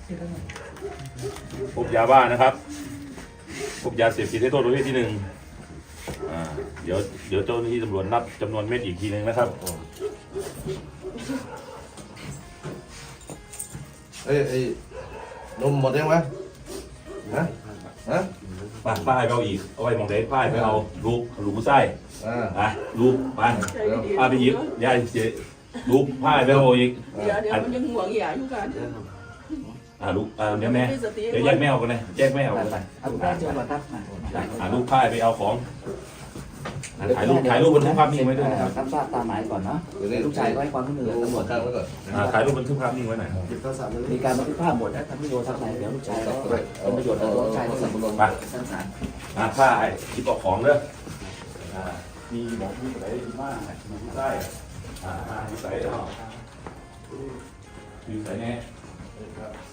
พบยาบ้านะครับพบยาเสพติดให้โทษประเภทที่หนึ่งเดี๋ยวเจ้าหน้าที่ตำรวจนับจำนวนเม็ดอีกทีหนึ่งนะครับไอ้นมหมดยังวะฮะป้ายไปเอาอีกเอาไว้มองเด็ดป้ายไปเอาลูกไส้ลูกป้าไปหยิบยาเสียลูกป้ายไปเอาอีกเดี๋ยวมันยังห่วงอย่าอยู่กันลูกเดี๋ยวแม่เดี๋ยวแยกแม่ออกกันเลยแยกแม่ออกกันไปลูกป้ายไปเอาของถ่ายรูปบันทึกภาพนิ่งไว้ด้วยนะครับรับทราบตามหมายก่อนเนาะลูกชายก็ให้ความร่วมมือตำรวจตั้งไว้ก่อนถ่ายรูปบันทึกภาพนิ่งไว้หน่อยมีการบันทึกภาพหมดนะทำประโยชน์ทำไหนเดี๋ยวลูกชายก็เป็นประโยชน์ต่อลูกชายที่สมบูรณ์ไปสั้นสารผ้าหยิบเอาของเด้อมีหมอที่ไหนดีมากมีไส้มีใส่เนาะมีใส่แน่